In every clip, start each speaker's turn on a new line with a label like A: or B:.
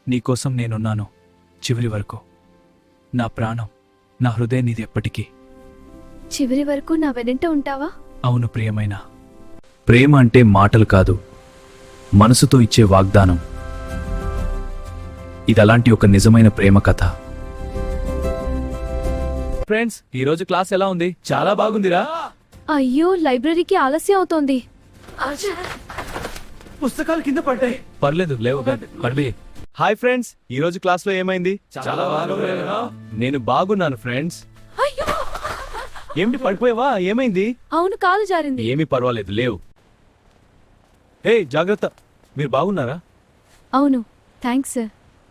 A: నీకోసం నేనున్నాను చివరి వరకు. నా ప్రాణం, నా హృదయం నీది ఎప్పటికీ.
B: చివరి వరకు నా వెనంట ఉంటావా?
A: అవును ప్రియమైన. ప్రేమ అంటే మాటలు కాదు, మనసుతో ఇచ్చే వాగ్దానం. ఇదలాంటి ఒక నిజమైన ప్రేమ కథ. ఫ్రెండ్స్, ఈరోజు క్లాస్ ఎలా ఉంది? చాలా బాగుందిరా.
B: అయ్యో, లైబ్రరీకి ఆలస్యం అవుతోంది.
A: పుస్తకాలు కింద పడ్డాయి. పర్లేదు, లేవు. హాయ్ ఫ్రెండ్స్, ఈ రోజు క్లాస్ లో ఏమైంది? చాలా బాగుంది. నేను బాగున్నాను ఫ్రెండ్స్. ఏమిటి, పడిపోయావా? ఏమైంది?
B: అవును, కాలు జారింది.
A: ఏమీ పర్వాలేదు, లేవు. హే, జాగ్రత్త. మీరు బాగున్నారా?
B: అవును, థ్యాంక్స్ సార్.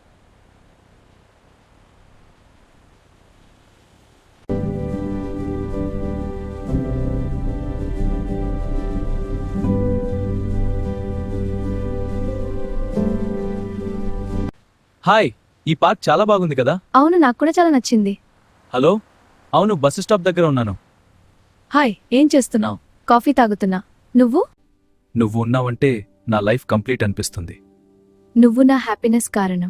A: హాయ్, ఈ పార్క్ చాలా బాగుంది కదా?
B: అవును, నాకు కూడా చాలా నచ్చింది.
A: హలో, అవును, బస్సు స్టాప్ దగ్గర ఉన్నాను.
B: హాయ్, ఏం చేస్తున్నావు? కాఫీ తాగుతున్నా. నువ్వు?
A: నువ్వు ఉన్నావంటే నా లైఫ్ కంప్లీట్ అనిపిస్తుంది.
B: నువ్వు నా హ్యాపీనెస్ కారణం.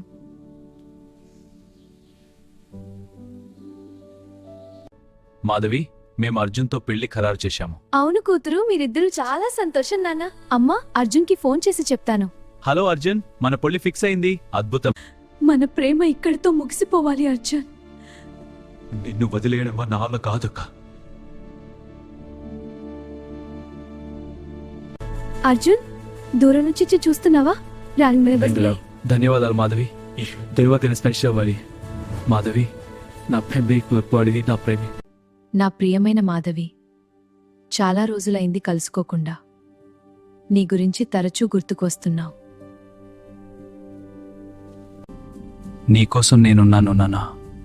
A: మాధవి, మేము అర్జున్తో పెళ్లి ఖరారు చేశాము.
B: అవును కూతురు, మీరిద్దరూ చాలా సంతోషం నాన్న. అమ్మా, అర్జున్కి ఫోన్ చేసి చెప్తాను.
A: హలో అర్జున్, మన పెళ్లి ఫిక్స్ అయింది. అద్భుతం.
B: మన ప్రేమ ఇక్కడితో ముగిసిపోవాలి అర్జున్.
A: నిన్ను వదిలేయడం నా వల్ల కాదక్క.
B: అర్జున్, దూరం నుంచి చూస్తున్నావా?
A: ధన్యవాదాలు మాధవి. దేవతని స్పెషల్ అవ్వాలి. మాధవి, నా ప్రేమి, నా ప్రేమి.
B: నా ప్రియమైన మాధవి, చాలా రోజులైంది కలుసుకోకుండా. నీ గురించి తరచూ గుర్తుకొస్తున్నావు.
A: నీకోసం నేనున్నాను నాన్నా.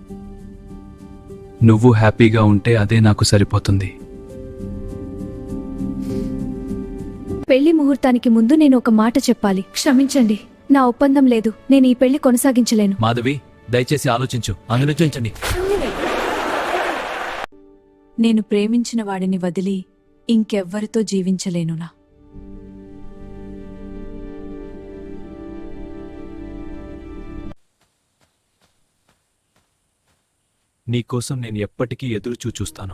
A: నువ్వు హ్యాపీగా ఉంటే అదే నాకు సరిపోతుంది.
B: పెళ్లి ముహూర్తానికి ముందు నేను ఒక మాట చెప్పాలి. క్షమించండి, నా ఒప్పందం లేదు. నేను ఈ పెళ్లి కొనసాగించలేను.
A: మాధవి, దయచేసి ఆలోచించు. ఆలోచించండి.
B: నేను ప్రేమించిన వాడిని వదిలి ఇంకెవ్వరితో జీవించలేనునా?
A: నీకోసం నేను ఎప్పటికీ ఎదురు చూస్తాను.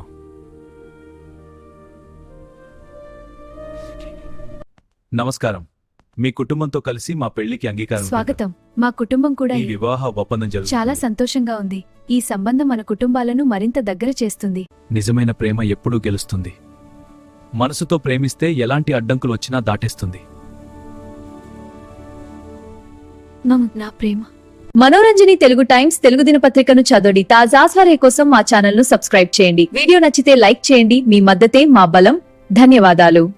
A: నమస్కారం. మీ కుటుంబంతో కలిసి మా పెళ్లికి అంగీకారం.
B: స్వాగతం. మా కుటుంబం కూడా
A: ఈ వివాహ ఒప్పందం జరుగుతుంది.
B: చాలా సంతోషంగా ఉంది. ఈ సంబంధం మన కుటుంబాలను మరింత దగ్గర చేస్తుంది. నిజమైన
A: ప్రేమ ఎప్పుడూ గెలుస్తుంది. మనసుతో ప్రేమిస్తే ఎలాంటి అడ్డంకులు వచ్చినా దాటేస్తుంది.
B: నా ప్రేమ. మనోరంజని తెలుగు టైమ్స్ తెలుగు దినపత్రికను చదవండి. తాజా స్వరాల కోసం మా ఛానల్ ను సబ్స్క్రైబ్ చేయండి. వీడియో నచ్చితే లైక్ చేయండి. మీ మద్దతే మా బలం. ధన్యవాదాలు.